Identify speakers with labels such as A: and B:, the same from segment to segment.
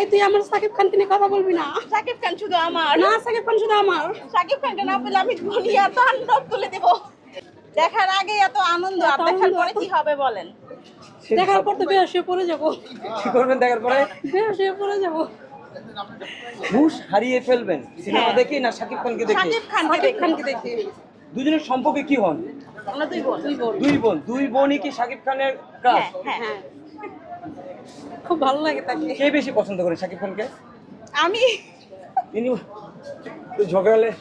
A: তুই আমার সাকিব খানকে নিয়ে কথা বলবি না।
B: সাকিব খান শুধু আমার
A: না, সাকিব খান শুধু আমার।
B: সাকিব খানকে না পেলে আমি দুনিয়া তাণ্ডব তুলে দেব। দেখার আগে এত আনন্দ, আর দেখার পরে কি হবে বলেন?
A: দেখার পর তো বেহুশ হয়ে পড়ে যাবো।
C: কি করবেন দেখার পরে?
A: বেহুশ হয়ে পড়ে যাবো।
C: হুশ হারিয়ে ফেলবেন সিনেমা
B: হ্যাঁ।
C: দেখে না সাকিব খানকে দেখে?
B: সাকিব
A: সাকিব খানকে দেখি।
C: দুজনের সম্পর্কে কি হন?
B: আমরা দুই বোন।
C: দুই বোনই কি সাকিব খানের ক্রাশ?
B: হ্যাঁ,
A: হ্যাঁ, খুব ভালো লাগে তাকে।
C: কে বেশি পছন্দ করেন সাকিব খানকে?
B: আমি
C: তিনি তো ঝগড়ালে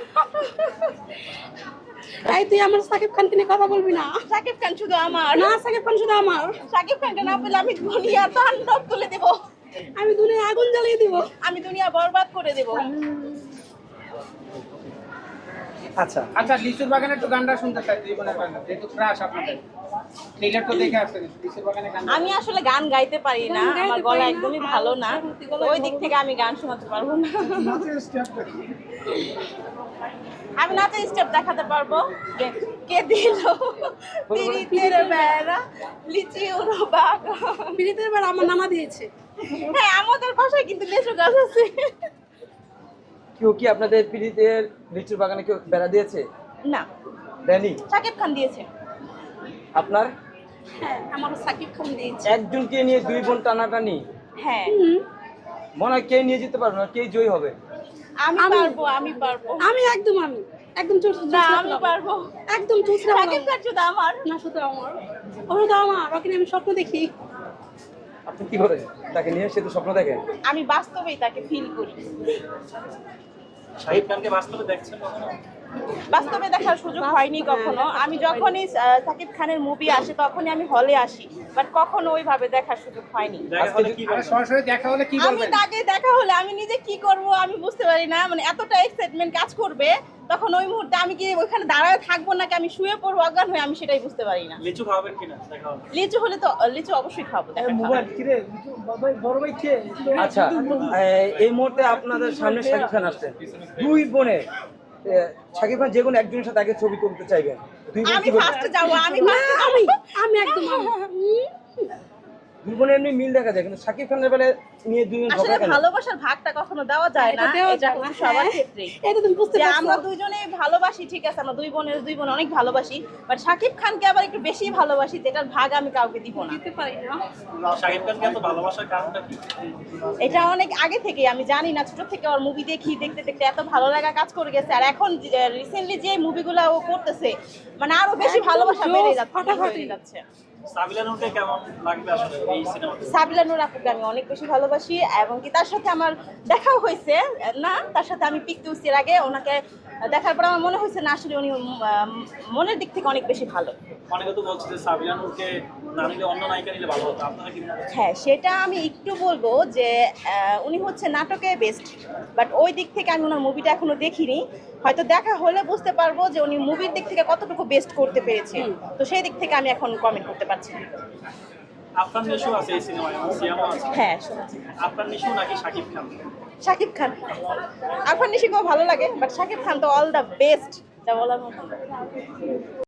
A: তাই তুই আমার সাকিব খানকে নিয়ে কথা বলবি না।
B: সাকিব খান শুধু আমার
A: না, সাকিব খান শুধু আমার।
B: সাকিব খানকে না পেলে আমি দুনিয়া তাণ্ডব তুলে দেব।
A: আমি দুনিয়া আগুন জ্বালিয়ে দিব।
B: আমি দুনিয়া বরবাদ করে দেব।
C: আচ্ছা
D: আচ্ছা, লিচুর বাগানে একটু গানটা শুনতে চাই, জীবনের গান, যেহেতু ক্রাশ আপনাদের ট্রেলার তো দেখে আসছেন, লিচুর বাগানে গান।
B: আমি আসলে গান গাইতে পারি না,
A: গান গাইতে
B: আমার
A: পারি
B: গলা
A: না,
B: একদমই
A: আর
B: ভালো না,
A: সত্যি গলা
B: ওই দিক
A: ভালো
B: থেকে আমি গান শোনাতে পারবো না। আমি নাচের স্টেপ দেখাতে পারবো। কে দিল পিরিতের বেড়া লিচি উড়ো বাগান।
A: পিড়িতের বার আমার নানা দিয়েছে।
B: হ্যাঁ, আমাদের বাসায় কিন্তু লেচু গাছ আছে।
C: কেউ কি আপনাদের পিড়িতের লিচুর বাগানে কেউ বেড়া দিয়েছে?
B: না,
C: দেয়নি?
B: সাকিব খান দিয়েছে।
C: আপনার
A: হ্যাঁ, আমারও সাকিব খান দিয়েছে।
C: একজনকে নিয়ে দুই বোন টানাটানি,
B: হ্যাঁ,
C: মনে হয় কে নিয়ে যেতে পারবে না, কে জয়ী হবে?
B: আমি পারবো, আমি পারবো।
A: আমি একদম
B: না, আমি পারবো।
A: একদম চুচরা
B: সাকিব খান শুধু আমার।
A: না, শুধু আমার। ও শুধু আমার। ওকে নিয়ে আমি স্বপ্ন দেখি।
C: আপনি কি করেন তাকে নিয়ে? সে তো স্বপ্ন দেখেন।
B: আমি বাস্তবেই তাকে ফিল করি।
E: শাহিদ খানকে বাস্তবে দেখছেন কখনো?
B: বাস্তবে দেখার সুযোগ হয়নি কখনো। আমি যখনই সাকিব খানের মুভি আসে তখনই আমি হলে আসি, বাট কখনো ওইভাবে দেখার সুযোগ হয়নি।
E: দেখা হলে কি
D: আর
E: বলবেন?
D: সরাসরি দেখা হলে কি
B: আমি
D: বলবেন?
B: তাকে দেখা হলে আমি নিজে কি করব আমি বুঝতে পারি না, মানে এতটা এক্সাইটমেন্ট কাজ করবে তখন ওই মুহূর্তে আমি কি ওইখানে দাঁড়ায় থাকবো নাকি আমি শুয়ে পড়বো অজ্ঞান হয়ে, আমি সেটাই বুঝতে পারি না।
E: লিচু খাওয়াবেন কিনা দেখা হলে?
B: লিচু হলে তো লিচু অবশ্যই খাবো।
C: আচ্ছা, এই মুহূর্তে আপনাদের সামনে শাকিব খান আসছেন, দুই বোনের শাকিব খান যে কোনো একজনের সাথে আগে ছবি তুলতে চাইবেন, দুই বোন
B: আমি
C: কি করবেন?
B: ফার্স্টে যাবো, আমি ফার্স্টে
A: আমি আমি একদম
C: দুই বোনের এমনি মিল দেখা যায়, কিন্তু শাকিব খানের বেলায় নিয়ে দুইজন
B: আসলে
C: ঝগড়া কেন?
B: ভালোবাসার ভাগটা কখনো দেওয়া যায় না,
A: এটা দেওয়া
B: এটা
A: যায় না,
B: হচ্ছে সবার
A: হ্যাঁ।
B: ক্ষেত্রেই।
A: এটা তুমি বুঝতে
B: যে
A: পারছো।
B: আমরা দুইজনে ভালোবাসি, ঠিক আছে, আমরা দুই বোন অনেক ভালোবাসি, বাট শাকিব খানকে আবার একটু বেশি ভালোবাসি, যেটার ভাগ আমি কাউকে দিব না।
A: দিতে পারি না।
E: শাহিদ খানকে এত ভালোবাসার কারণটা কি?
B: এটা অনেক আগে থেকে আমি জানি না, ছোট থেকে ওর মুভি দেখতে দেখতে এত ভালো লাগা কাজ করে গেছে, আর এখন রিসেন্টলি যে মুভিগুলো ও করতেছে মানে আরো বেশি
A: একদম
B: ভালোবাসা
A: জোস,
B: বেড়ে যাচ্ছে,
A: ফাটাফাটি।
B: বেড়ে যাচ্ছে।
E: সাবিলা নূরকে কেমন লাগবে আসলে এই সিনেমাতে?
B: সাবিলা নূর আপুকে আমি অনেক বেশি ভালোবাসি, এবং কি তার সাথে আমার দেখাও হয়েছে না, তার সাথে আমি পিক তুলছি এর আগে, ওনাকে দেখার পর আমার মনে হয়েছে না আসলে উনি মনের দিক থেকে অনেক বেশি ভালো।
E: অনেকে তো বলছে যে সাবিলা নূরকে না নিলে অন্য নায়িকা নিলে ভালো হতো, আপনারা কি মনে করছেন?
B: হ্যাঁ, সেটা আমি একটু বলবো যে উনি হচ্ছে নাটকে বেস্ট, বাট ওই দিক থেকে আমি ওনার মুভিটা এখনো দেখিনি, হয়তো দেখা হলে বুঝতে পারবো যে উনি মুভির দিক থেকে কতটুকু বেস্ট করতে পেরেছে, তো সেই দিক থেকে আমি এখন কমেন্ট করতে পারছি না।
E: আফরান নিশু আছে এই সিনেমায়, এবং সিয়ামও আছে।
B: হ্যাঁ, শুনেছি।
E: আফরান নিশু নাকি শাকিব খান?
B: শাকিব খান। আফরান নিশিকেও ভালো লাগে, বাট শাকিব খান তো অল দ্য বেস্ট, যা বলার মতো।